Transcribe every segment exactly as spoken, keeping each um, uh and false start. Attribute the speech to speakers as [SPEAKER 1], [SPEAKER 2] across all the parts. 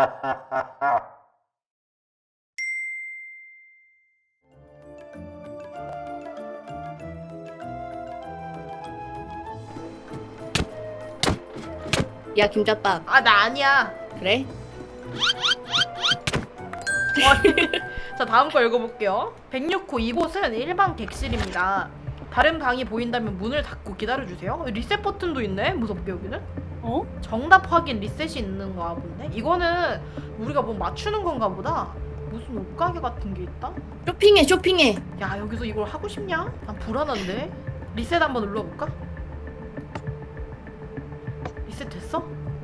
[SPEAKER 1] 야 김자밥.
[SPEAKER 2] 아 나 아니야.
[SPEAKER 1] 그래?
[SPEAKER 2] 자 다음 거 읽어볼게요. 백육 호 이곳은 일반 객실입니다. 다른 방이 보인다면 문을 닫고 기다려주세요. 리셋 버튼도 있네. 무섭게 여기는.
[SPEAKER 3] 어?
[SPEAKER 2] 정답 확인 리셋이 있는 거야 본데. 이거는 우리가 뭐 맞추는 건가 보다. 무슨 옷가게 같은 게 있다?
[SPEAKER 1] 쇼핑해 쇼핑해.
[SPEAKER 2] 야 여기서 이걸 하고 싶냐? 난 불안한데. 리셋 한번 눌러볼까? 리셋 됐어?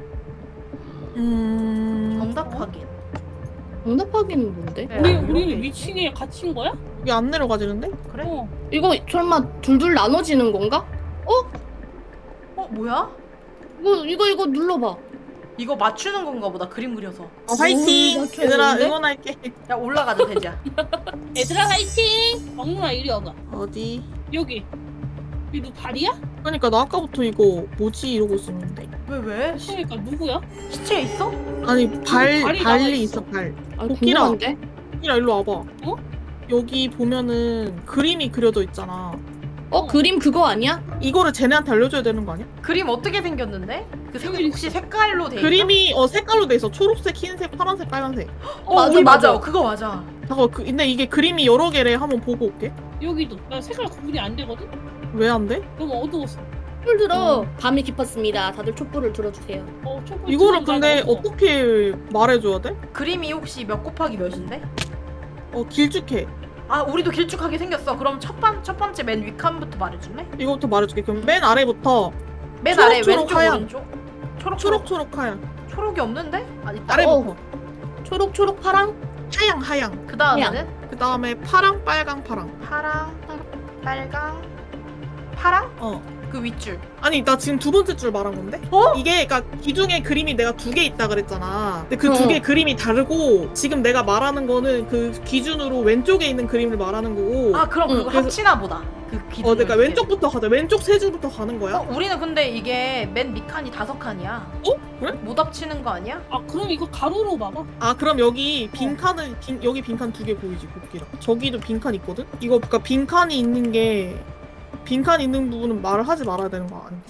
[SPEAKER 4] 음...
[SPEAKER 2] 정답 확인.
[SPEAKER 1] 정답 확인은 뭔데?
[SPEAKER 2] 네,
[SPEAKER 3] 우리
[SPEAKER 2] 이렇게
[SPEAKER 3] 우리
[SPEAKER 2] 있어.
[SPEAKER 3] 위층에 갇힌 거야?
[SPEAKER 4] 이게 안 내려가지는데?
[SPEAKER 2] 그래?
[SPEAKER 3] 어.
[SPEAKER 1] 이거 설마 둘둘 나눠지는 건가?
[SPEAKER 2] 어 뭐야?
[SPEAKER 1] 이거 이거 이거 눌러봐.
[SPEAKER 2] 이거 맞추는 건가 보다. 그림 그려서.
[SPEAKER 4] 어, 화이팅!
[SPEAKER 1] 오, 나
[SPEAKER 4] 얘들아
[SPEAKER 1] 좋은데?
[SPEAKER 4] 응원할게.
[SPEAKER 2] 야 올라가자 돼지야.
[SPEAKER 3] 얘들아 화이팅! 막누나 이리 와봐.
[SPEAKER 4] 어디?
[SPEAKER 3] 여기. 이거 발이야?
[SPEAKER 4] 그러니까 나 아까부터 이거 뭐지 이러고 있었는데.
[SPEAKER 2] 왜 왜?
[SPEAKER 3] 그러니까 누구야?
[SPEAKER 2] 시체 있어?
[SPEAKER 4] 아니 발
[SPEAKER 3] 발이 나와
[SPEAKER 4] 발리
[SPEAKER 3] 있어.
[SPEAKER 4] 있어 발.
[SPEAKER 1] 아
[SPEAKER 4] 도끼라.
[SPEAKER 1] 궁금한데?
[SPEAKER 4] 이라 일로 와봐.
[SPEAKER 3] 어?
[SPEAKER 4] 여기 보면은 그림이 그려져 있잖아.
[SPEAKER 1] 어 그림 그거 아니야?
[SPEAKER 4] 이거를 쟤네한테 알려줘야 되는 거 아니야?
[SPEAKER 2] 그림 어떻게 생겼는데? 그 색,
[SPEAKER 3] 여기
[SPEAKER 2] 혹시 색깔로 돼 있어?
[SPEAKER 4] 그림이 어 색깔로 돼 있어. 초록색, 흰색, 파란색, 빨간색.
[SPEAKER 2] 어,
[SPEAKER 1] 맞아,
[SPEAKER 2] 우리 맞아.
[SPEAKER 1] 맞아.
[SPEAKER 2] 그거 맞아.
[SPEAKER 4] 잠깐 그 근데 이게 그림이 여러 개래. 한번 보고 올게.
[SPEAKER 3] 여기도. 나 색깔 구분이 안 되거든?
[SPEAKER 4] 왜 안 돼?
[SPEAKER 3] 너무 어두웠어.
[SPEAKER 1] 촛불 들어.
[SPEAKER 4] 음.
[SPEAKER 1] 밤이 깊었습니다. 다들 촛불을 들어주세요.
[SPEAKER 3] 어, 촛불
[SPEAKER 4] 이거를
[SPEAKER 3] 지금
[SPEAKER 4] 근데
[SPEAKER 3] 잘 먹었어.
[SPEAKER 4] 어떻게 말해줘야 돼?
[SPEAKER 2] 그림이 혹시 몇 곱하기 몇인데?
[SPEAKER 4] 어 길쭉해.
[SPEAKER 2] 아 우리도 길쭉하게 생겼어. 그럼 첫, 번, 첫 번째 맨 윗칸부터 말해줄래?
[SPEAKER 4] 이거부터 말해줄게. 그럼 맨 아래부터
[SPEAKER 2] 맨
[SPEAKER 4] 초록,
[SPEAKER 2] 아래
[SPEAKER 4] 초록,
[SPEAKER 2] 왼쪽
[SPEAKER 4] 하얀.
[SPEAKER 2] 오른쪽? 초록 초록
[SPEAKER 4] 초록초록 하얀.
[SPEAKER 2] 초록이 없는데? 아 있다.
[SPEAKER 4] 아래부터
[SPEAKER 1] 초록 초록 파랑.
[SPEAKER 4] 하양 하양.
[SPEAKER 2] 그 다음에는
[SPEAKER 4] 그 다음에 파랑 빨강 파랑.
[SPEAKER 2] 파랑, 빨강, 파랑?
[SPEAKER 4] 어.
[SPEAKER 2] 그 윗줄.
[SPEAKER 4] 아니 나 지금 두 번째 줄 말한 건데?
[SPEAKER 2] 어?
[SPEAKER 4] 이게 그니까 기둥에 그림이 내가 두 개 있다 그랬잖아. 근데 그 두
[SPEAKER 1] 어.
[SPEAKER 4] 개 그림이 다르고 지금 내가 말하는 거는 그 기준으로 왼쪽에 있는 그림을 말하는 거고.
[SPEAKER 2] 아 그럼
[SPEAKER 1] 응,
[SPEAKER 2] 그거
[SPEAKER 4] 그래서-
[SPEAKER 2] 합치나 보다. 그 기둥.
[SPEAKER 4] 어 그러니까 왼쪽부터 가자. 왼쪽 세 줄부터 가는 거야.
[SPEAKER 2] 어, 우리는 근데 이게 맨 밑칸이 다섯 칸이야.
[SPEAKER 4] 어? 그래?
[SPEAKER 2] 못 합치는 거 아니야?
[SPEAKER 3] 아, 그럼 이거 가로로 봐봐.
[SPEAKER 4] 아 그럼 여기 빈 칸은 빈, 여기 빈 칸 두 개 보이지 곱기랑. 저기도 빈 칸 있거든? 이거 그니까 빈 칸이 있는 게 빈 칸 있는 부분은 말을 하지 말아야 되는 거 아니야?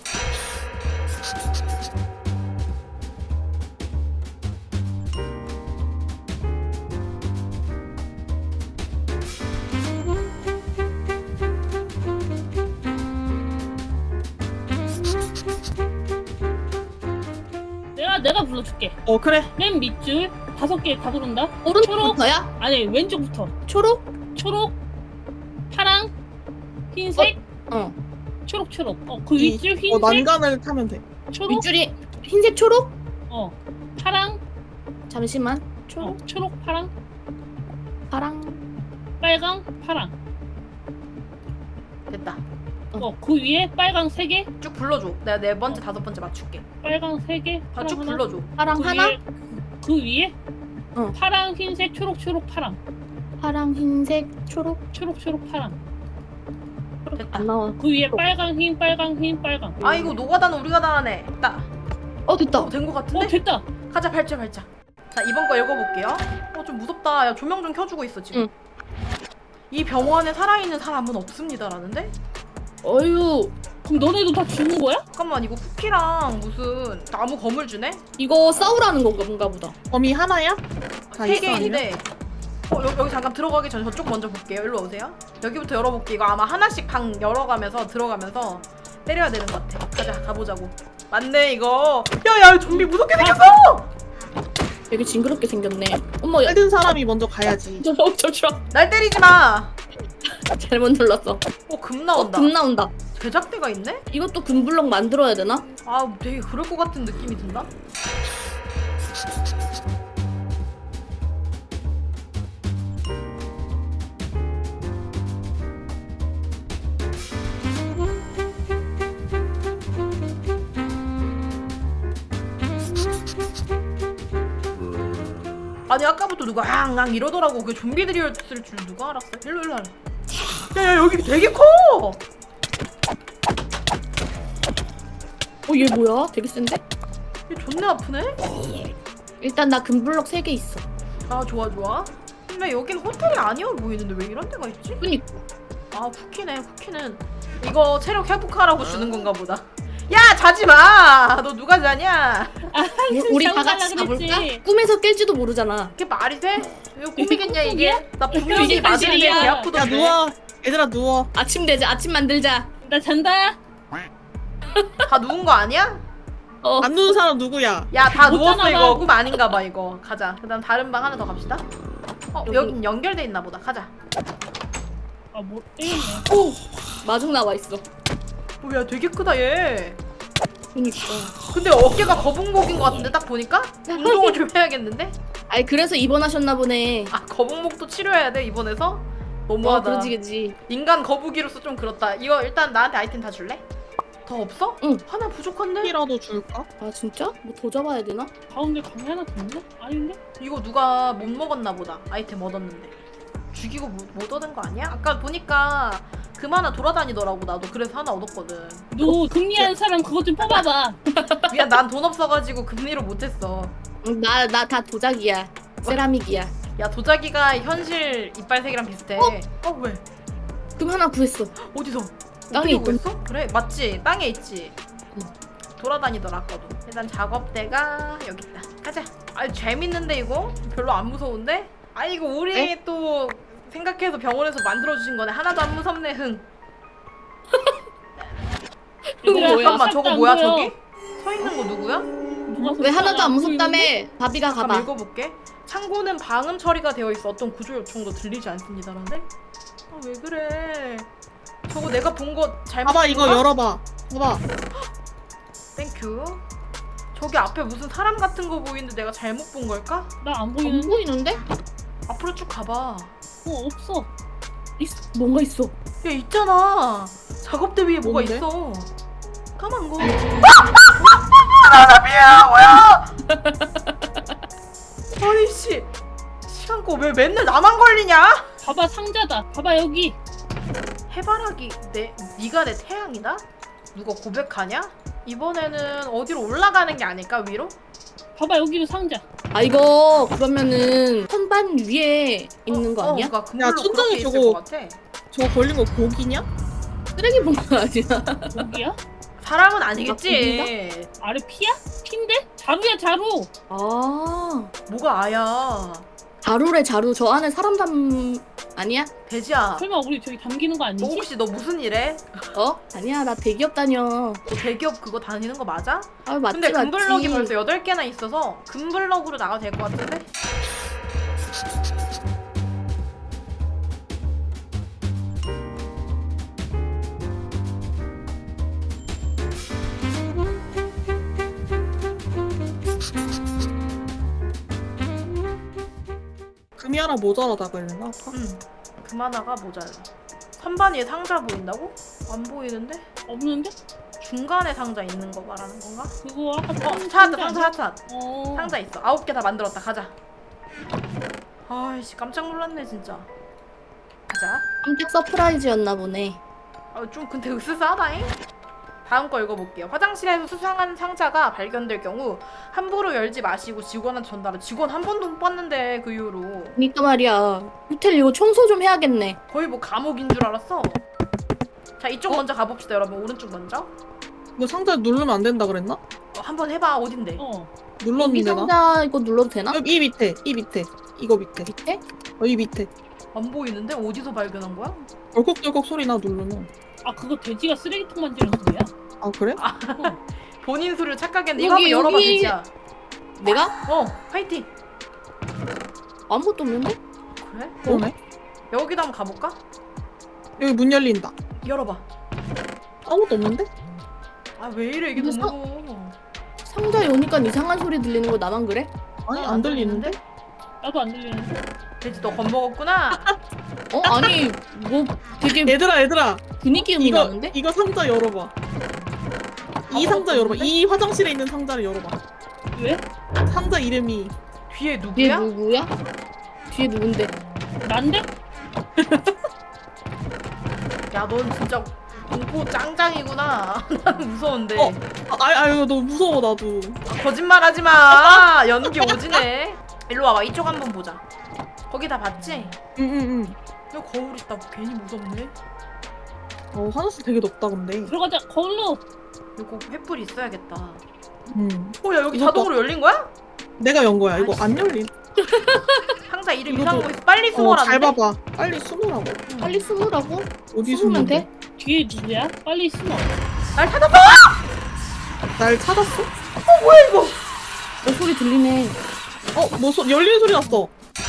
[SPEAKER 3] 내가 내가 불러줄게.
[SPEAKER 4] 어 그래.
[SPEAKER 3] 맨 밑줄 다섯 개 다 부른다.
[SPEAKER 1] 오른쪽부터야?
[SPEAKER 3] 아니 왼쪽부터.
[SPEAKER 1] 초록?
[SPEAKER 3] 초록, 파랑, 흰색,
[SPEAKER 1] 어.
[SPEAKER 3] 초록 초록. 어, 그
[SPEAKER 4] 이-
[SPEAKER 3] 윗줄
[SPEAKER 4] 어
[SPEAKER 3] 흰색,
[SPEAKER 4] 난간을 타면 돼.
[SPEAKER 3] 초록,
[SPEAKER 1] 윗줄이 흰색 초록?
[SPEAKER 3] 어, 파랑,
[SPEAKER 1] 잠시만.
[SPEAKER 3] 어,
[SPEAKER 1] 초록
[SPEAKER 3] 초록, 파랑,
[SPEAKER 1] 파랑.
[SPEAKER 3] 빨강, 파랑.
[SPEAKER 2] 됐다.
[SPEAKER 3] 어, 그 위에 빨강 세 개,
[SPEAKER 2] 쭉 불러줘. 내가 네 번째 다섯 번째 맞출게.
[SPEAKER 3] 빨강 세 개,
[SPEAKER 2] 아,
[SPEAKER 3] 파랑
[SPEAKER 2] 쭉
[SPEAKER 3] 하나.
[SPEAKER 2] 불러줘.
[SPEAKER 1] 파랑
[SPEAKER 3] 그
[SPEAKER 1] 하나?
[SPEAKER 3] 위에, 그 위에
[SPEAKER 1] 어.
[SPEAKER 3] 파랑, 흰색, 초록, 초록, 파랑,
[SPEAKER 1] 파랑 흰색 초록.
[SPEAKER 3] 초록, 초록, 파랑.
[SPEAKER 2] 됐다.
[SPEAKER 1] 안 나와.
[SPEAKER 3] 그 위에 빨강, 흰, 빨강, 흰, 빨강.
[SPEAKER 2] 아 이거 노가다는 우리가 다 하네. 됐다.
[SPEAKER 1] 어 됐다.
[SPEAKER 2] 어, 된 거 같은데?
[SPEAKER 3] 어, 됐다.
[SPEAKER 2] 가자 발자 발자. 자 이번 거 읽어볼게요. 어 좀 무섭다. 야 조명 좀 켜주고 있어 지금.
[SPEAKER 1] 응.
[SPEAKER 2] 이 병원에 살아있는 사람은 없습니다라는데?
[SPEAKER 1] 어유.
[SPEAKER 3] 그럼 너네도 다 죽는 거야?
[SPEAKER 2] 잠깐만 이거 쿠키랑 무슨 나무 거물 주네?
[SPEAKER 1] 이거 싸우라는 건가 뭔가 보다.
[SPEAKER 4] 범위 하나야? 다
[SPEAKER 2] 세
[SPEAKER 4] 있어,
[SPEAKER 2] 개인데 어 여, 여기 잠깐 들어가기 전에 저쪽 먼저 볼게요. 일로 오세요. 여기부터 열어볼게. 이거 아마 하나씩 방 열어가면서 들어가면서 때려야 되는 것 같아. 가자 가보자고. 맞네 이거. 야야 좀비 무섭게 생겼어.
[SPEAKER 1] 되게 징그럽게 생겼네. 어머 야.
[SPEAKER 4] 빨든 사람이 먼저 가야지.
[SPEAKER 1] 저, 저, 잠시만.
[SPEAKER 2] 날 때리지 마.
[SPEAKER 1] 잘못 눌렀어.
[SPEAKER 2] 어금
[SPEAKER 1] 어,
[SPEAKER 2] 나온다.
[SPEAKER 1] 금 나온다.
[SPEAKER 2] 제작대가 있네?
[SPEAKER 1] 이것도 금블럭 만들어야 되나?
[SPEAKER 2] 아 되게 그럴 것 같은 느낌이 든다. 아니 아까부터 누가 앙앙 이러더라고. 그 좀비들이었을 줄 누가 알았어? 일로 일로 일로. 야야 여기 되게 커.
[SPEAKER 1] 어 얘 뭐야? 되게 센데?
[SPEAKER 2] 얘 존내 아프네?
[SPEAKER 1] 일단 나 금블럭 세 개 있어.
[SPEAKER 2] 아 좋아 좋아. 근데 여긴 호텔이 아니어 보이는데 왜 이런 데가 있지?
[SPEAKER 1] 그니까.
[SPEAKER 2] 아 쿠키네. 쿠키는 이거 체력 회복하라고 주는 건가 보다. 야 자지 마. 너 누가 자냐?
[SPEAKER 1] 우리 다
[SPEAKER 3] 자고
[SPEAKER 1] 같이
[SPEAKER 3] 자려고 그랬지.
[SPEAKER 1] 가볼까? 꿈에서 깰지도 모르잖아.
[SPEAKER 2] 이게 말이 돼? 이거 꿈이겠냐
[SPEAKER 3] 이게
[SPEAKER 2] 이게? 나 분명히
[SPEAKER 3] 이게
[SPEAKER 2] 맞은데
[SPEAKER 3] 현실이야.
[SPEAKER 2] 배
[SPEAKER 4] 야
[SPEAKER 2] 아프던데.
[SPEAKER 4] 누워. 얘들아 누워.
[SPEAKER 1] 아침 되자. 아침 만들자.
[SPEAKER 3] 나 잔다.
[SPEAKER 2] 다 누운 거 아니야?
[SPEAKER 1] 어.
[SPEAKER 4] 안 누운 사람 누구야?
[SPEAKER 2] 야 다
[SPEAKER 3] 못
[SPEAKER 2] 누웠어
[SPEAKER 3] 자나
[SPEAKER 2] 이거.
[SPEAKER 3] 봐.
[SPEAKER 2] 꿈 아닌가 봐 이거. 가자. 그다음 다른 방 하나 더 갑시다. 어
[SPEAKER 1] 여기.
[SPEAKER 2] 여긴 연결돼 있나 보다. 가자.
[SPEAKER 3] 아뭐 때리네.
[SPEAKER 1] 오. 마중 나와 있어.
[SPEAKER 2] 뭐야 되게 크다 얘.
[SPEAKER 1] 그니까.
[SPEAKER 2] 근데 어깨가 거북목인 것 같은데 딱 보니까? 운동을 좀 해야겠는데?
[SPEAKER 1] 아니 그래서 입원하셨나 보네.
[SPEAKER 2] 아 거북목도 치료해야 돼 이번에서?
[SPEAKER 1] 어,
[SPEAKER 2] 너무하다.
[SPEAKER 1] 그러지 그지.
[SPEAKER 2] 인간 거북이로서 좀 그렇다. 이거 일단 나한테 아이템 다 줄래? 더 없어?
[SPEAKER 1] 응.
[SPEAKER 2] 하나 부족한데?
[SPEAKER 4] 이라도 줄까?
[SPEAKER 1] 아 진짜? 뭐 더 잡아야 되나?
[SPEAKER 3] 가운데 방에 하나 더 있나? 아닌데?
[SPEAKER 2] 이거 누가 못 먹었나 보다. 아이템 얻었는데. 죽이고 못, 못 얻은 거 아니야? 아까 보니까 금 하나 돌아다니더라고. 나도 그래서 하나 얻었거든.
[SPEAKER 3] 너 금리하는 사람 그거 좀 뽑아봐.
[SPEAKER 2] 미안 난 돈 없어가지고 금리로 못했어.
[SPEAKER 1] 나 나 다 도자기야. 세라믹이야.
[SPEAKER 2] 야 도자기가 현실 이빨색이랑 비슷해.
[SPEAKER 1] 어?
[SPEAKER 2] 어 왜?
[SPEAKER 1] 금 하나 구했어.
[SPEAKER 2] 어디서?
[SPEAKER 1] 땅에
[SPEAKER 2] 어떻게
[SPEAKER 1] 있던-
[SPEAKER 2] 구했어? 그래 맞지 땅에 있지.
[SPEAKER 1] 응.
[SPEAKER 2] 돌아다니더라 아까도. 일단 작업대가 여기 있다. 가자. 아 재밌는데 이거 별로 안 무서운데? 아 이거 우리
[SPEAKER 1] 네?
[SPEAKER 2] 또 생각해서 병원에서 만들어 주신 거네. 하나도 안 무섭네. 흥.
[SPEAKER 1] 이거
[SPEAKER 3] 얘들아,
[SPEAKER 1] 뭐야?
[SPEAKER 2] 잠깐만
[SPEAKER 3] 싹도
[SPEAKER 2] 저거
[SPEAKER 3] 안
[SPEAKER 2] 뭐야
[SPEAKER 3] 보여.
[SPEAKER 2] 저기? 서 있는 거 누구야?
[SPEAKER 3] 누가
[SPEAKER 1] 왜 하나도 안
[SPEAKER 3] 보이는데?
[SPEAKER 1] 무섭다며? 바비가
[SPEAKER 2] 한번
[SPEAKER 1] 가봐.
[SPEAKER 2] 읽어볼게. 창고는 방음 처리가 되어 있어 어떤 구조 요청도 들리지 않습니다라는데? 아 왜 그래? 저거 내가 본 거 잘못
[SPEAKER 4] 봐봐
[SPEAKER 2] 본
[SPEAKER 4] 이거
[SPEAKER 2] 거야?
[SPEAKER 4] 열어봐. 봐봐.
[SPEAKER 2] 땡큐. 저기 앞에 무슨 사람 같은 거 보이는데 내가 잘못 본 걸까?
[SPEAKER 3] 나안
[SPEAKER 1] 안
[SPEAKER 3] 보이는데?
[SPEAKER 1] 보이는데?
[SPEAKER 2] 앞으로 쭉 가봐.
[SPEAKER 3] 어 없어.
[SPEAKER 1] 있어. 뭔가 있어.
[SPEAKER 2] 야 있잖아. 작업대 위에 뭐가
[SPEAKER 4] 뭔데?
[SPEAKER 2] 있어. 까만 거. 나나비야 뭐야? 아니 씨. 시간 거왜 맨날 나만 걸리냐?
[SPEAKER 3] 봐봐 상자다. 봐봐 여기.
[SPEAKER 2] 해바라기 내 네가 내 태양이다? 누가 고백하냐? 이번에는 어디로 올라가는 게 아닐까 위로?
[SPEAKER 3] 봐봐 여기도 상자.
[SPEAKER 1] 아 이거 그러면은 선반 위에 있는 거 아니야?
[SPEAKER 2] 어, 그러니까 금블로
[SPEAKER 4] 야, 천장에
[SPEAKER 2] 그렇게 있을
[SPEAKER 4] 저거-
[SPEAKER 2] 것 같아.
[SPEAKER 4] 저거 걸린 거 고기냐?
[SPEAKER 1] 쓰레기 봉투 아니야?
[SPEAKER 3] 여기야?
[SPEAKER 2] 사람은
[SPEAKER 1] 아,
[SPEAKER 2] 아니겠지.
[SPEAKER 3] 아래 피야? 핀데? 자루야 자루.
[SPEAKER 1] 아
[SPEAKER 2] 뭐가 아야?
[SPEAKER 1] 자루래 자루. 저 안에 사람 담 아니야?
[SPEAKER 2] 돼지야.
[SPEAKER 3] 설마 우리 저기 담기는 거
[SPEAKER 2] 너
[SPEAKER 3] 아니지?
[SPEAKER 2] 혹시 너 무슨 일해?
[SPEAKER 1] 어? 아니야 나 대기업 다녀.
[SPEAKER 2] 너 대기업 그거 다니는 거 맞아?
[SPEAKER 1] 아 맞지
[SPEAKER 2] 근데
[SPEAKER 1] 맞지.
[SPEAKER 2] 금블럭이 벌써 여덟 개나 있어서 금블럭으로 나가도 될 것 같은데?
[SPEAKER 4] 금이 하나 모자라다 그랬나? 아까?
[SPEAKER 2] 응. 금 하나가 모자라. 선반 위에 상자 보인다고? 안 보이는데?
[SPEAKER 3] 없는데?
[SPEAKER 2] 중간에 상자 있는 거 말하는 건가?
[SPEAKER 3] 그거 아까
[SPEAKER 2] 어
[SPEAKER 3] 상-
[SPEAKER 2] 찾았다
[SPEAKER 3] 상자
[SPEAKER 2] 상자 찾았다.
[SPEAKER 3] 아니야? 어.
[SPEAKER 2] 상자 있어. 아홉 개 다 만들었다. 가자. 아이씨 깜짝 놀랐네 진짜. 가자.
[SPEAKER 1] 깜짝 서프라이즈였나 보네.
[SPEAKER 2] 아, 좀 근데 으스스하다잉? 다음 거 읽어볼게요. 화장실에서 수상한 상자가 발견될 경우 함부로 열지 마시고 직원한테 전달을. 직원 한 번도 못 봤는데 그 이후로
[SPEAKER 1] 그니까 말이야. 호텔 이거 청소 좀 해야겠네.
[SPEAKER 2] 거의 뭐 감옥인 줄 알았어. 자 이쪽
[SPEAKER 1] 어?
[SPEAKER 2] 먼저 가봅시다 여러분. 오른쪽 먼저.
[SPEAKER 4] 이거 상자 누르면 안 된다 그랬나?
[SPEAKER 2] 어, 한번 해봐. 어딘데?
[SPEAKER 3] 어.
[SPEAKER 1] 이
[SPEAKER 4] 눌렀는데 나?
[SPEAKER 1] 상자 이거 눌러도 되나?
[SPEAKER 4] 어, 이 밑에 이 밑에 이거 밑에
[SPEAKER 1] 밑에?
[SPEAKER 4] 어, 이 밑에
[SPEAKER 2] 안 보이는데? 어디서 발견한 거야?
[SPEAKER 4] 덜컥덜컥 소리 나 누르면.
[SPEAKER 3] 아 그거 돼지가 쓰레기통 만지는 소리야?
[SPEAKER 4] 아 그래?
[SPEAKER 2] 본인 수를 착각했는데 이거 한번
[SPEAKER 1] 여기,
[SPEAKER 2] 열어봐
[SPEAKER 1] 여기.
[SPEAKER 2] 돼지야.
[SPEAKER 1] 내가?
[SPEAKER 2] 어 화이팅.
[SPEAKER 1] 아무것도 없는데?
[SPEAKER 2] 그래?
[SPEAKER 4] 그러네.
[SPEAKER 2] 여기도 한번 가볼까?
[SPEAKER 4] 여기 문 열린다.
[SPEAKER 2] 열어봐.
[SPEAKER 4] 아무것도 없는데?
[SPEAKER 2] 아 왜 이래 이게
[SPEAKER 1] 근데
[SPEAKER 2] 너무 무서워.
[SPEAKER 1] 상자에 오니까 이상한 소리 들리는 거 나만 그래?
[SPEAKER 4] 아니
[SPEAKER 2] 어,
[SPEAKER 4] 안 들리는데?
[SPEAKER 3] 나도 안 들리는데?
[SPEAKER 2] 돼지 너 겁먹었구나.
[SPEAKER 1] 어 아니 뭐 되게
[SPEAKER 4] 얘들아 얘들아
[SPEAKER 1] 분위기 음이
[SPEAKER 4] 이거
[SPEAKER 1] 나는데?
[SPEAKER 4] 이거 상자 열어봐. 이
[SPEAKER 2] 아무것도
[SPEAKER 4] 상자 열어봐.
[SPEAKER 2] 없는데?
[SPEAKER 4] 이 화장실에 있는 상자를 열어봐.
[SPEAKER 3] 왜?
[SPEAKER 4] 상자 이름이
[SPEAKER 2] 뒤에
[SPEAKER 1] 뒤에
[SPEAKER 2] 누구야?
[SPEAKER 1] 누구야? 뒤에 누군데?
[SPEAKER 3] 난데?
[SPEAKER 2] 야 넌 진짜 공포 짱짱이구나. 나는 무서운데.
[SPEAKER 4] 어. 아, 아유 너무 무서워 나도.
[SPEAKER 2] 아, 거짓말하지 마. 연기 오지네. 일로 와봐. 이쪽 한번 보자. 거기 다 봤지?
[SPEAKER 4] 응응응.
[SPEAKER 2] 여기 거울 있다. 괜히 무섭네.
[SPEAKER 4] 어 화장실 되게 높다 근데.
[SPEAKER 3] 들어가자. 거울로.
[SPEAKER 2] 이거 횃불 있어야겠다.
[SPEAKER 4] 음.
[SPEAKER 2] 어, 야 여기
[SPEAKER 4] 이것도-
[SPEAKER 2] 자동으로 열린 거야?
[SPEAKER 4] 내가 연 거야. 이거 안 열린.
[SPEAKER 2] 상자 이름
[SPEAKER 4] 이것도-
[SPEAKER 2] 이상한 거 있어. 빨리
[SPEAKER 4] 어,
[SPEAKER 2] 숨어라는데.
[SPEAKER 4] 잘 봐봐. 빨리 숨으라고.
[SPEAKER 1] 빨리 숨으라고?
[SPEAKER 4] 어디
[SPEAKER 1] 숨으면
[SPEAKER 4] 숨으면
[SPEAKER 1] 돼?
[SPEAKER 3] 뒤에 누구야? 빨리 숨어.
[SPEAKER 2] 날 찾았어.
[SPEAKER 4] 날 찾았어?
[SPEAKER 1] 너 소리 들리네.
[SPEAKER 4] 어, 뭐 소, 열리는 소리 났어.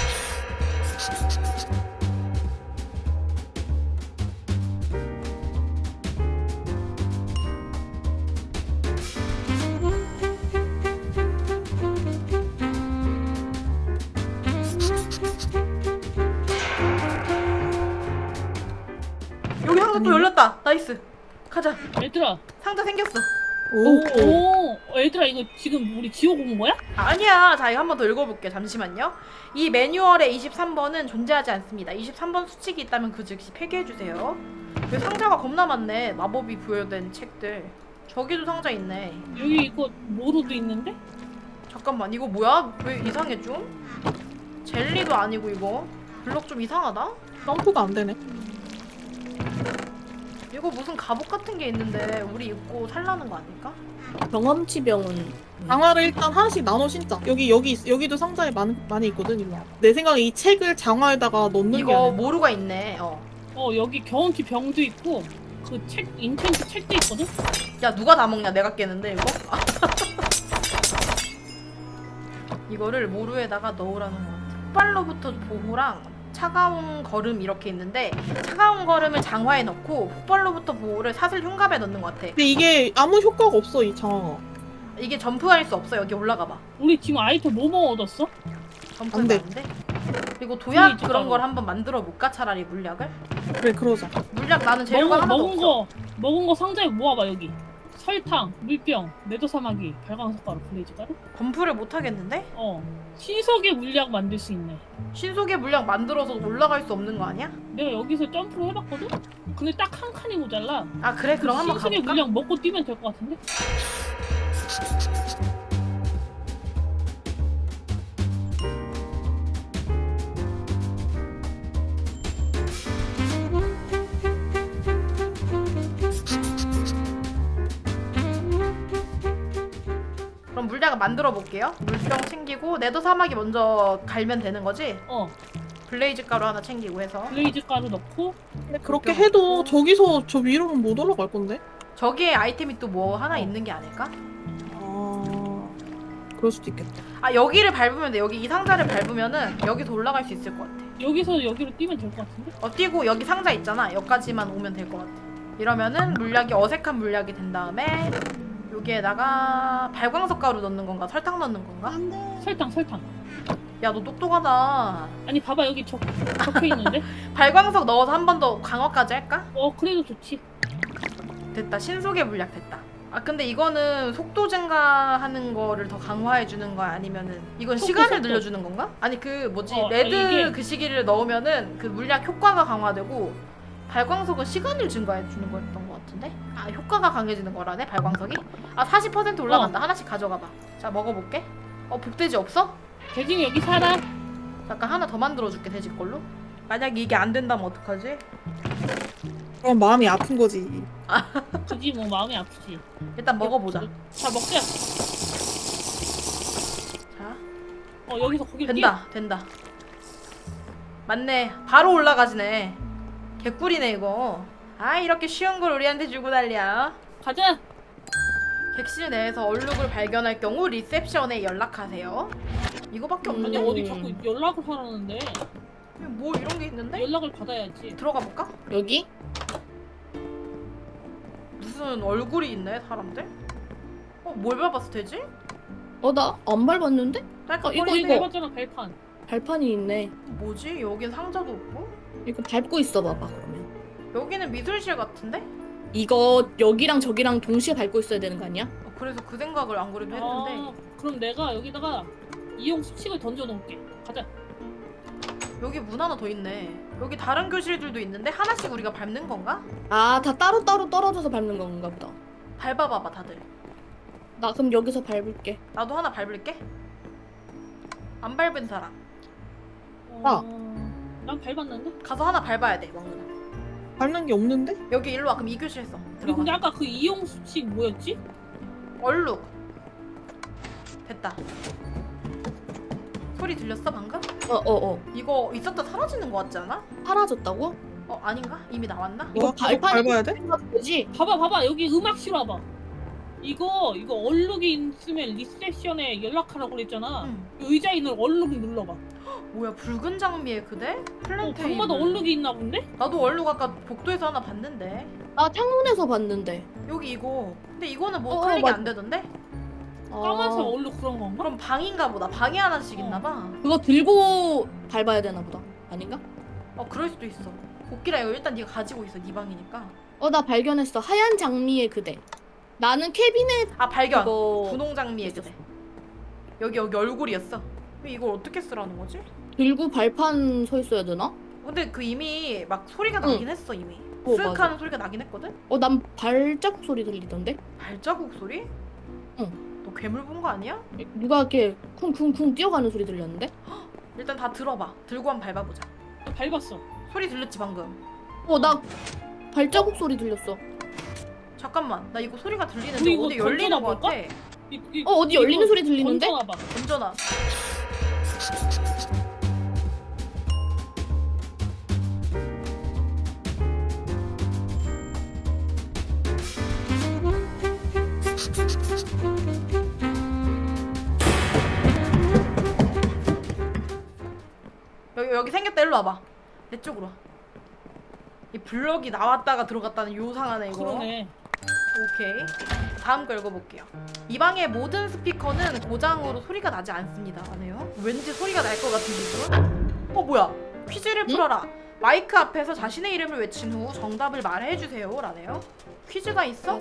[SPEAKER 2] 여기 상자 또 열렸다. 나이스. 가자.
[SPEAKER 3] 얘들아.
[SPEAKER 2] 상자 생겼어.
[SPEAKER 4] 오.
[SPEAKER 3] 오. 어, 얘들아 이거 지금 우리 지옥 온 거야?
[SPEAKER 2] 아니야. 자, 이거 한 번 더 읽어볼게. 잠시만요. 이 매뉴얼의 이십삼 번은 존재하지 않습니다. 이십삼 번 수칙이 있다면 그 즉시 폐기해주세요. 여기 상자가 겁나 많네. 마법이 부여된 책들. 저기도 상자 있네.
[SPEAKER 3] 여기 이거 모루도 있는데?
[SPEAKER 2] 잠깐만, 이거 뭐야? 왜 이상해 좀? 젤리도 아니고 이거. 블럭 좀 이상하다?
[SPEAKER 4] 점프가 안 되네.
[SPEAKER 2] 이거 무슨 갑옷 같은 게 있는데 우리 입고 살라는 거 아닐까?
[SPEAKER 1] 경험치 병은
[SPEAKER 4] 장화를 일단 하나씩 나눠 신자. 여기 여기 있- 여기도 상자에 많, 많이 있거든. 일로 와. 내 생각에 이 책을 장화에다가 넣는 게
[SPEAKER 2] 이거
[SPEAKER 4] 아니야.
[SPEAKER 2] 모루가 있네. 어.
[SPEAKER 3] 어 여기 경험치 병도 있고 그 책 인챈트 책도 있거든?
[SPEAKER 2] 야, 누가 다 먹냐? 내가 깨는데 이거? 이거를 모루에다가 넣으라는 거 같아. 폭발로부터 보호랑 차가운 거름 이렇게 있는데 차가운 거름을 장화에 넣고 폭발로부터 보호를 사슬 흉갑에 넣는 것 같아.
[SPEAKER 4] 근데 이게 아무 효과가 없어 이 장화가.
[SPEAKER 2] 이게 점프할 수 없어. 여기 올라가 봐.
[SPEAKER 3] 우리 지금 아이템 뭐뭐 얻었어?
[SPEAKER 2] 점프하면
[SPEAKER 4] 안 돼.
[SPEAKER 2] 안 돼? 그리고 도약
[SPEAKER 3] 플레이즈
[SPEAKER 2] 그런
[SPEAKER 3] 가루.
[SPEAKER 2] 걸 한번 만들어 볼까? 차라리 물약을?
[SPEAKER 4] 그래 그러자.
[SPEAKER 2] 물약 나는 재료가
[SPEAKER 3] 먹은,
[SPEAKER 2] 하나도
[SPEAKER 3] 먹은
[SPEAKER 2] 없어.
[SPEAKER 3] 거 먹은 거 상자에 모아봐 여기. 설탕, 물병, 매도사마귀, 발광석가루, 블레이즈가루?
[SPEAKER 2] 검프를 못 하겠는데?
[SPEAKER 3] 어. 신석의 물약 만들 수 있네.
[SPEAKER 2] 신속의 물약 만들어서 올라갈 수 없는 거 아니야?
[SPEAKER 3] 내가 여기서 점프를 해봤거든? 근데 딱 한 칸이 모자라.
[SPEAKER 2] 아 그래? 그럼 한번
[SPEAKER 3] 신석의
[SPEAKER 2] 가볼까?
[SPEAKER 3] 물약 먹고 뛰면 될 것 같은데?
[SPEAKER 2] 그럼 물약을 만들어 볼게요. 물병 챙기고 네더 사막이 먼저 갈면 되는 거지?
[SPEAKER 3] 어.
[SPEAKER 2] 블레이즈 가루 하나 챙기고 해서
[SPEAKER 3] 블레이즈 가루 넣고
[SPEAKER 4] 근데 그렇게 해도 저기서 저 위로는 못 올라갈 건데.
[SPEAKER 2] 저기에 아이템이 또 뭐 하나 있는 게 아닐까?
[SPEAKER 4] 아, 그럴 수도 있겠다.
[SPEAKER 2] 아 여기를 밟으면 돼. 여기 이 상자를 밟으면은 여기서 올라갈 수 있을 것 같아.
[SPEAKER 3] 여기서 여기로 뛰면 될 것 같은데?
[SPEAKER 2] 어 뛰고 여기 상자 있잖아. 여기까지만 오면 될 것 같아. 이러면은 물약이 어색한 물약이 된 다음에 여기에다가 발광석 가루 넣는 건가? 설탕 넣는 건가?
[SPEAKER 3] 설탕 설탕.
[SPEAKER 2] 야 너 똑똑하다.
[SPEAKER 3] 아니 봐봐 여기 적, 적혀 있는데?
[SPEAKER 2] 발광석 넣어서 한 번 더 강화까지 할까?
[SPEAKER 3] 어 그래도 좋지.
[SPEAKER 2] 됐다. 신속의 물약 됐다. 아 근데 이거는 속도 증가하는 거를 더 강화해 주는 거야? 아니면은 이건
[SPEAKER 3] 속도,
[SPEAKER 2] 시간을
[SPEAKER 3] 속도.
[SPEAKER 2] 늘려주는 건가? 아니 그 뭐지
[SPEAKER 3] 어,
[SPEAKER 2] 레드
[SPEAKER 3] 이게-
[SPEAKER 2] 그 시기를 넣으면은 그 물약 효과가 강화되고 발광석은 시간을 증가해 주는 거였던 것 같은데? 아 효과가 강해지는 거라네 발광석이? 아 사십 퍼센트 올라간다. 하나씩 가져가 봐. 자 먹어볼게. 어 복돼지 없어?
[SPEAKER 3] 돼지는 여기 살아.
[SPEAKER 2] 잠깐 하나 더 만들어줄게 돼지 걸로. 만약에 이게 안 된다면 어떡하지?
[SPEAKER 4] 그럼 마음이 아픈 거지.
[SPEAKER 3] 그지 뭐 마음이 아프지.
[SPEAKER 2] 일단 먹어보자.
[SPEAKER 3] 자 먹자.
[SPEAKER 2] 자
[SPEAKER 3] 어 여기서 거기로 뛰어.
[SPEAKER 2] 된다 된다. 맞네. 바로 올라가지네. 개꿀이네 이거. 아 이렇게 쉬운 걸 우리한테 주고 달려.
[SPEAKER 3] 가자.
[SPEAKER 2] 객실 내에서 얼룩을 발견할 경우 리셉션에 연락하세요. 이거밖에
[SPEAKER 3] 아니
[SPEAKER 2] 없는데?
[SPEAKER 1] 음.
[SPEAKER 3] 어디 자꾸 연락을 하라는데
[SPEAKER 2] 뭐 이런 게 있는데?
[SPEAKER 3] 연락을 받아야지.
[SPEAKER 2] 들어가 볼까?
[SPEAKER 1] 여기?
[SPEAKER 2] 무슨 얼굴이 있네 사람들? 어 뭘 밟았어 되지?
[SPEAKER 1] 어 나 안 밟았는데?
[SPEAKER 2] 딸깍
[SPEAKER 1] 어, 이거,
[SPEAKER 2] 거리네.
[SPEAKER 1] 이거.
[SPEAKER 3] 해봤잖아 발판.
[SPEAKER 1] 발판이 있네.
[SPEAKER 2] 뭐지? 여긴 상자도 없고?
[SPEAKER 1] 이거 밟고 있어 봐봐 그러면.
[SPEAKER 2] 여기는 미술실 같은데?
[SPEAKER 1] 이거 여기랑 저기랑 동시에 밟고 있어야 되는 거 아니야?
[SPEAKER 2] 어, 그래서 그 생각을 안 그래도 했는데
[SPEAKER 3] 아 그럼 내가 여기다가 이용 수칙을 던져 놓을게. 가자.
[SPEAKER 2] 여기 문 하나 더 있네. 여기 다른 교실들도 있는데 하나씩 우리가 밟는 건가?
[SPEAKER 1] 아, 다 따로따로 떨어져서 밟는 건가 보다.
[SPEAKER 2] 밟아봐봐 다들.
[SPEAKER 1] 나 그럼 여기서 밟을게.
[SPEAKER 2] 나도 하나 밟을게. 안 밟은 사람
[SPEAKER 4] 아.
[SPEAKER 3] 어... 난 밟았는데?
[SPEAKER 2] 가서 하나 밟아야 돼. 왕눈아.
[SPEAKER 4] 밟는 게 없는데?
[SPEAKER 2] 여기 일로 와. 그럼 이 교실 써.
[SPEAKER 3] 우리 근데
[SPEAKER 2] 들어가.
[SPEAKER 3] 아까 그 이용 수칙 뭐였지?
[SPEAKER 2] 얼룩. 됐다. 소리 들렸어 방금?
[SPEAKER 1] 어, 어, 어.
[SPEAKER 2] 이거 있었다 사라지는 거 같지 않아?
[SPEAKER 1] 사라졌다고?
[SPEAKER 2] 어 아닌가? 이미 나왔나?
[SPEAKER 1] 이거
[SPEAKER 4] 와, 계속
[SPEAKER 1] 발판이
[SPEAKER 4] 밟아야 돼?
[SPEAKER 1] 되지?
[SPEAKER 3] 봐봐 봐봐 여기 음악실 와봐. 이거 이거 얼룩이 있으면 리셉션에 연락하라고 그랬잖아.
[SPEAKER 2] 응.
[SPEAKER 3] 의자에 있는 얼룩 눌러봐.
[SPEAKER 2] 뭐야 붉은 장미의 그대?
[SPEAKER 3] 어,
[SPEAKER 2] 플랜테인.
[SPEAKER 3] 방마다 얼룩이 있나 본데?
[SPEAKER 2] 나도 얼룩 아까 복도에서 하나 봤는데.
[SPEAKER 1] 나 창문에서 봤는데.
[SPEAKER 2] 여기 이거. 근데 이거는 뭐
[SPEAKER 1] 어,
[SPEAKER 2] 클릭이
[SPEAKER 1] 맞-
[SPEAKER 2] 안 되던데?
[SPEAKER 3] 까만색
[SPEAKER 1] 아,
[SPEAKER 3] 얼룩 그런 건가?
[SPEAKER 2] 그럼 방인가 보다. 방에 하나씩
[SPEAKER 3] 어.
[SPEAKER 2] 있나 봐.
[SPEAKER 1] 그거 들고 밟아야 되나 보다. 아닌가?
[SPEAKER 2] 어 그럴 수도 있어. 복귀라 이거 일단 네가 가지고 있어. 네 방이니까.
[SPEAKER 1] 어, 나 발견했어. 하얀 장미의 그대. 나는 캐비넷
[SPEAKER 2] 아 발견.
[SPEAKER 1] 그거
[SPEAKER 2] 분홍 장미의 그대. 여기 여기 얼굴이었어. 근데 이걸 어떻게 쓰라는 거지?
[SPEAKER 1] 들고 발판 서 있어야 되나?
[SPEAKER 2] 근데 그 이미 막 소리가
[SPEAKER 1] 응.
[SPEAKER 2] 나긴 했어 이미.
[SPEAKER 1] 어,
[SPEAKER 2] 쓱
[SPEAKER 1] 맞아.
[SPEAKER 2] 하는 소리가 나긴 했거든?
[SPEAKER 1] 어, 난 발자국 소리 들리던데?
[SPEAKER 2] 발자국 소리?
[SPEAKER 1] 응.
[SPEAKER 2] 너 괴물 본 거 아니야?
[SPEAKER 1] 누가 이렇게 쿵쿵쿵 뛰어가는 소리 들렸는데?
[SPEAKER 2] 일단 다 들어봐. 들고 한번 밟아보자.
[SPEAKER 3] 나 밟았어.
[SPEAKER 2] 소리 들렸지 방금?
[SPEAKER 1] 어, 나 발자국 소리 들렸어.
[SPEAKER 2] 잠깐만 나 이거 소리가 들리는데
[SPEAKER 3] 우리 이거
[SPEAKER 2] 어디 열리는 거
[SPEAKER 3] 던져놔볼까?
[SPEAKER 2] 같아.
[SPEAKER 3] 이, 이,
[SPEAKER 1] 어, 어디 열리는
[SPEAKER 3] 이거
[SPEAKER 1] 소리 들리는데?
[SPEAKER 3] 던져놔봐.
[SPEAKER 2] 던져놔. 여기 여기 생겼다. 일로 와봐. 내 쪽으로 와. 이 블럭이 나왔다가 들어갔다는 요상하네 이거.
[SPEAKER 3] 그러네.
[SPEAKER 2] 오케이. 다음 거 읽어볼게요. 이 방의 모든 스피커는 고장으로 소리가 나지 않습니다. 라네요. 왠지 소리가 날 것 같은 기분. 어 뭐야? 퀴즈를 풀어라. 마이크 앞에서 자신의 이름을 외친 후 정답을 말해주세요. 라네요. 퀴즈가 있어?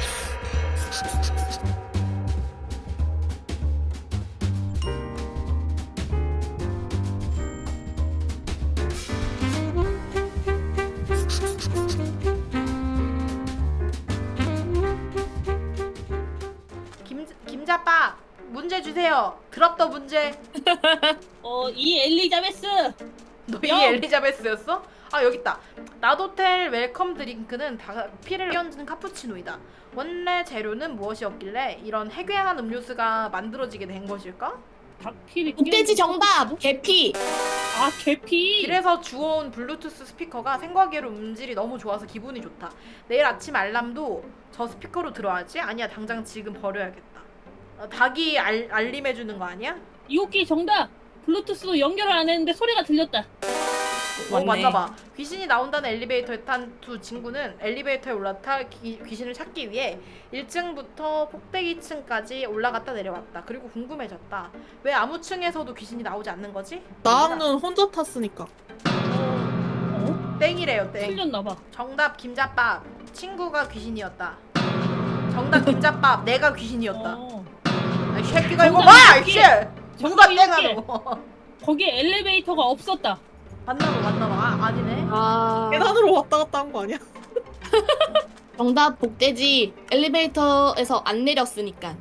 [SPEAKER 2] 김 김자빠 문제 주세요. 드랍 더 문제.
[SPEAKER 3] 어, 이 엘리자베스.
[SPEAKER 2] 너희
[SPEAKER 3] 야!
[SPEAKER 2] 엘리자베스였어? 아 여기 있다. 나도텔 웰컴 드링크는 다 피를 끼얹은 카푸치노이다. 원래 재료는 무엇이었길래 이런 해괴한 음료수가 만들어지게 된 것일까?
[SPEAKER 3] 닭피리.
[SPEAKER 1] 흑돼지 정답! 계피!
[SPEAKER 3] 아, 개피.
[SPEAKER 2] 길에서 주워온 블루투스 스피커가 생과계로 음질이 너무 좋아서 기분이 좋다. 내일 아침 알람도 저 스피커로 들어야지? 아니야 당장 지금 버려야겠다. 어, 닭이 알, 알림해주는 거 아니야?
[SPEAKER 3] 이호끼 정답. 블루투스로 연결을 안 했는데 소리가 들렸다.
[SPEAKER 2] 어 맞나봐. 귀신이 나온다는 엘리베이터에 탄 두 친구는 엘리베이터에 올라타 기, 귀신을 찾기 위해 일 층부터 꼭대기 층까지 올라갔다 내려왔다. 그리고 궁금해졌다. 왜 아무 층에서도 귀신이 나오지 않는 거지?
[SPEAKER 4] 나는 혼자 탔으니까.
[SPEAKER 3] 어?
[SPEAKER 2] 땡이래요 땡.
[SPEAKER 3] 틀렸나봐.
[SPEAKER 2] 정답 김자밥. 친구가 귀신이었다. 정답 김자밥. 내가 귀신이었다.
[SPEAKER 3] 어.
[SPEAKER 2] 이 새끼가 이거
[SPEAKER 3] 정답
[SPEAKER 2] 봐!
[SPEAKER 3] 이렇게.
[SPEAKER 2] 이씨! 누가
[SPEAKER 3] 정답 이렇게.
[SPEAKER 2] 땡하노?
[SPEAKER 3] 거기에 엘리베이터가 없었다.
[SPEAKER 2] 맞나봐 맞나봐. 아, 아니네.
[SPEAKER 1] 아,
[SPEAKER 4] 계단으로 왔다 갔다 한 거 아니야?
[SPEAKER 1] 정답 복돼지. 엘리베이터에서 안 내렸으니까.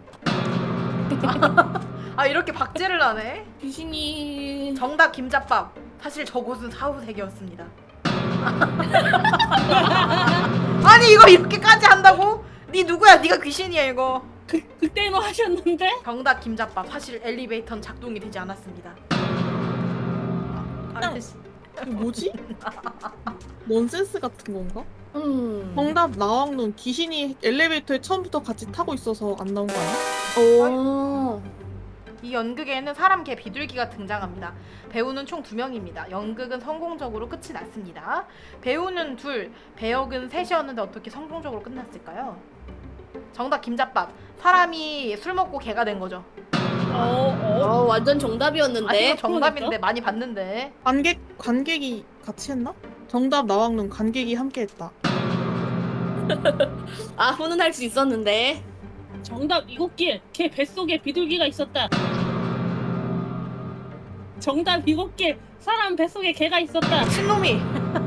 [SPEAKER 2] 아 이렇게 박제를 하네.
[SPEAKER 1] 귀신이...
[SPEAKER 2] 정답 김자밥. 사실 저곳은 사후세계였습니다. 아니 이거 이렇게까지 한다고? 니 누구야? 니가 귀신이야 이거.
[SPEAKER 3] 그, 그때는 하셨는데?
[SPEAKER 2] 정답 김자밥. 사실 엘리베이터는 작동이 되지 않았습니다. 아, 아저씨.
[SPEAKER 4] 이거 뭐지? 넌센스 같은 건가?
[SPEAKER 1] 음...
[SPEAKER 4] 정답 나왕눈 귀신이 엘리베이터에 처음부터 같이 타고 있어서 안 나온 거 아니야?
[SPEAKER 1] 오...
[SPEAKER 2] 이 연극에는 사람, 개, 비둘기가 등장합니다. 배우는 총 두 명입니다. 연극은 성공적으로 끝이 났습니다. 배우는 둘, 배역은 셋이었는데 어떻게 성공적으로 끝났을까요? 정답 김자밥. 사람이 술 먹고 개가 된 거죠.
[SPEAKER 3] 어, 어.
[SPEAKER 1] 어, 완전
[SPEAKER 2] 아
[SPEAKER 1] 정답이었는데.
[SPEAKER 2] 이거 정답인데 많이 봤는데.
[SPEAKER 4] 관객 관객이 같이 했나? 정답 나왕눈 관객이 함께 했다.
[SPEAKER 1] 아, 훈훈할 수 있었는데.
[SPEAKER 3] 정답 이곳길. 걔 뱃속에 비둘기가 있었다. 정답 일곱 개. 사람 뱃속에 개가 있었다.
[SPEAKER 2] 신놈이.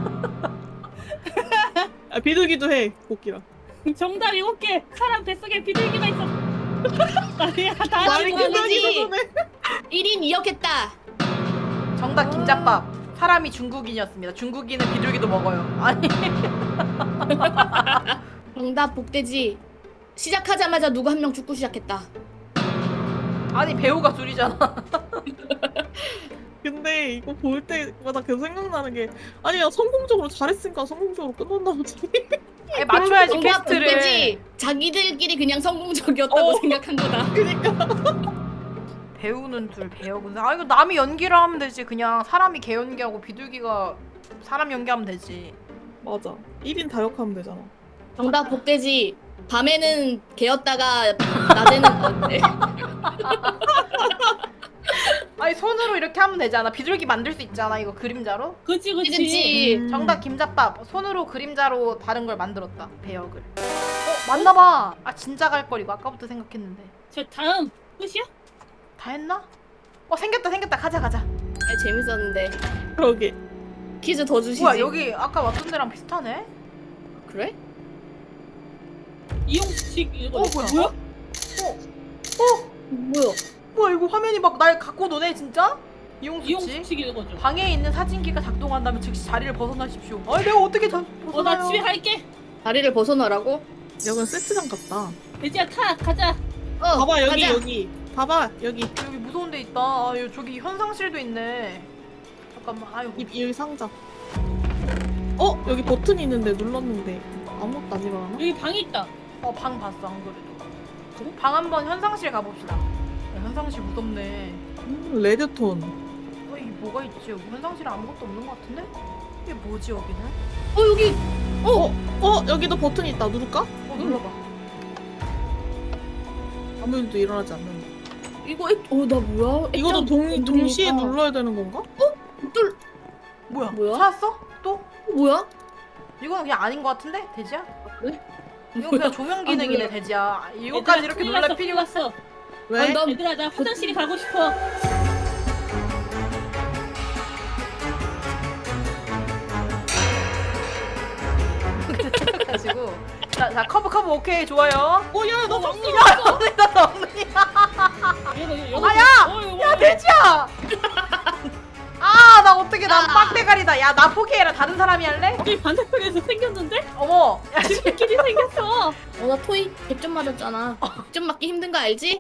[SPEAKER 4] 아, 비둘기도 해 코끼라.
[SPEAKER 3] 정답 일곱 개. 사람 뱃속에 비둘기가 있었다. 아니야, 다
[SPEAKER 4] 말이
[SPEAKER 3] 아니야.
[SPEAKER 4] 비둘기도 해.
[SPEAKER 1] 일 인 이 였겠다.
[SPEAKER 2] 정답 김잡밥. 사람이 중국인이었습니다. 중국인은 비둘기도 먹어요. 아니.
[SPEAKER 1] 정답 복돼지. 시작하자마자 누구 한 명 죽고 시작했다.
[SPEAKER 2] 아니 배우가 둘이잖아.
[SPEAKER 4] 근데 이거 볼 때마다 계속 생각나는 게 아니야 성공적으로 잘했으니까 성공적으로 끝났나 보지.
[SPEAKER 2] 아니, 맞춰야지
[SPEAKER 1] 정답
[SPEAKER 2] 퀘스트를.
[SPEAKER 1] 복돼지. 자기들끼리 그냥 성공적이었다고
[SPEAKER 2] 어.
[SPEAKER 1] 생각한 거다.
[SPEAKER 4] 그니까.
[SPEAKER 2] 배우는 둘 배우군. 아 이거 남이 연기를 하면 되지. 그냥 사람이 개 연기하고 비둘기가 사람 연기하면 되지.
[SPEAKER 4] 맞아. 일 인 다역하면 되잖아.
[SPEAKER 1] 정답 복돼지. 밤에는 개였다가 낮에는 어때?
[SPEAKER 2] 아니 손으로 이렇게 하면 되잖아. 비둘기 만들 수 있잖아. 이거 그림자로.
[SPEAKER 3] 그치 그치.
[SPEAKER 1] 그치.
[SPEAKER 4] 음.
[SPEAKER 2] 정답 김잡밥. 손으로 그림자로 다른 걸 만들었다. 배역을. 어 맞나봐. 아 진짜 갈 거리고 아까부터 생각했는데.
[SPEAKER 3] 저 다음 끝이야?
[SPEAKER 2] 다 했나? 어 생겼다 생겼다. 가자 가자.
[SPEAKER 1] 아, 재밌었는데.
[SPEAKER 4] 그러게.
[SPEAKER 1] 퀴즈 더 주시지.
[SPEAKER 2] 뭐야 여기 아까 왔던 데랑 비슷하네?
[SPEAKER 1] 그래?
[SPEAKER 3] 이용식 이거
[SPEAKER 2] 어 뭐야? 뭐야? 어?
[SPEAKER 1] 뭐야?
[SPEAKER 2] 뭐야 이거 화면이 막 날 갖고 노네 진짜? 이용수치?
[SPEAKER 3] 이용식 읽어줘.
[SPEAKER 2] 방에 있는 사진기가 작동한다면 즉시 자리를 벗어나십시오. 아니 내가 어떻게 자, 벗어나요?
[SPEAKER 3] 어 나 집에 갈게.
[SPEAKER 1] 다리를 벗어나라고?
[SPEAKER 4] 여긴 세트장 같다.
[SPEAKER 3] 돼지야 타 가자.
[SPEAKER 1] 어.
[SPEAKER 4] 봐봐 여기
[SPEAKER 1] 가자.
[SPEAKER 4] 여기. 봐봐 여기.
[SPEAKER 2] 여기 무서운 데 있다. 아, 여기 저기 현상실도 있네. 잠깐만. 아유.
[SPEAKER 4] 이, 여기 상자. 어 여기 버튼이 있는데 눌렀는데 아무것도 안 일어나나?
[SPEAKER 3] 여기 방이 있다.
[SPEAKER 2] 어, 방 봤어. 안 그래도.
[SPEAKER 4] 그래?
[SPEAKER 2] 방 한번 현상실 가봅시다. 야, 현상실 무섭네.
[SPEAKER 4] 음, 레드톤.
[SPEAKER 2] 어, 이게 뭐가 있지? 여기 현상실에 아무것도 없는 것 같은데? 이게 뭐지 여기는?
[SPEAKER 1] 어 여기
[SPEAKER 4] 어? 어 여기도 버튼 있다. 누를까?
[SPEAKER 2] 어 눌러봐.
[SPEAKER 4] 아무 일도 일어나지 않는다.
[SPEAKER 1] 이거 어나 뭐야?
[SPEAKER 4] 이것도
[SPEAKER 1] 액정
[SPEAKER 4] 동,
[SPEAKER 1] 누르니까.
[SPEAKER 4] 동시에 눌러야 되는 건가?
[SPEAKER 1] 뚫
[SPEAKER 2] 뭐야?
[SPEAKER 1] 뭐야?
[SPEAKER 2] 찾았어? 또?
[SPEAKER 1] 뭐야?
[SPEAKER 2] 이거는 그냥 아닌 것 같은데? 돼지야?
[SPEAKER 1] 그래?
[SPEAKER 2] 이거 그냥 조명 기능이네
[SPEAKER 1] 아,
[SPEAKER 2] 돼지야. 이거까지 이렇게
[SPEAKER 3] 큰일
[SPEAKER 2] 놀랄
[SPEAKER 3] 났어,
[SPEAKER 2] 필요가
[SPEAKER 3] 큰일 났어.
[SPEAKER 4] 왜?
[SPEAKER 1] 아니, 나
[SPEAKER 3] 얘들아 나 화장실이 가고 싶어.
[SPEAKER 2] 가지고 자, 자 커브 커브 오케이 좋아요.
[SPEAKER 4] 어, 야, 너
[SPEAKER 3] 어,
[SPEAKER 4] 막니?
[SPEAKER 3] 왔어, 왔어.
[SPEAKER 2] 언니 나 언니.
[SPEAKER 3] 이거, 이거, 이거.
[SPEAKER 2] 아, 야!
[SPEAKER 3] 어, 이거
[SPEAKER 2] 야
[SPEAKER 3] 뭐야?
[SPEAKER 2] 돼지야. 아 나 어떻게 난
[SPEAKER 3] 아.
[SPEAKER 2] 빡대가리다. 야 나 포기해라. 다른 사람이 할래?
[SPEAKER 3] 여기 반대편에서 생겼는데?
[SPEAKER 2] 어머. 야,
[SPEAKER 3] 집끼리 생겼어.
[SPEAKER 1] 어나 토이 백 점 맞았잖아. 백 점 맞기 힘든 거 알지?